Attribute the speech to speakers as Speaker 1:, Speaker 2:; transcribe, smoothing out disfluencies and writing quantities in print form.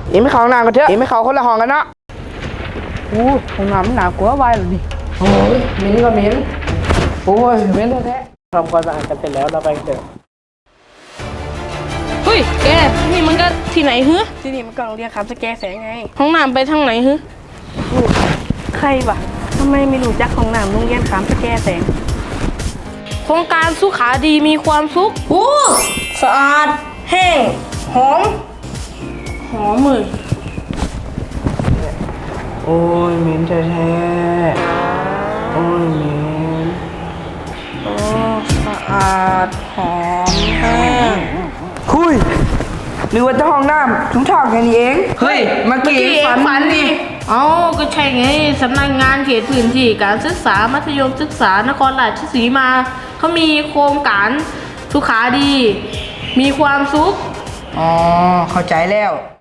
Speaker 1: อีไม่เข้าห้องน้ำกันเถอะอีไม่เข้าคนละห้องกันเนาะอู้ห้องน้ำมันหนากลัวไว้หรอนี่โอ้ยเหม็นก็เหม็นโอ้ยเหม็นแท้ๆทำความสะอาดกันเสร็จแล้วเราไปเถอะ
Speaker 2: เฮ้ยแกนี่มันก็ที่ไหนฮึ
Speaker 3: ที่นี่มันก็โรงเรียนคำสแกแสงไง
Speaker 2: ห้องน้ำไปทางไหนฮึ
Speaker 3: ใครวะทำไมไม่รู้จักของน้ำโรงเรียนคำสแกแสง
Speaker 2: โครงการสุขาดีมีความสุข
Speaker 3: โอ้สะอาดแห้งหอม
Speaker 2: หอมเลย
Speaker 1: โอ้ยเหม็นแท้ๆโอ้ยเหม็น
Speaker 2: อ๋อสะอาดหอมแห้ง
Speaker 1: คุยหรือว่าเจ้าห้องน้ำถุงเท้าแค่นี้เองเฮ้ยเมื่อกี้ฝันดิ
Speaker 2: เอ้าก็ใช่ไงสำนักงานเขตพื้นที่การศึกษามัธยมศึกษานครราชสีมาเขามีโครงการสุขาดี มีความสุข
Speaker 1: อ๋อเข้าใจแล้ว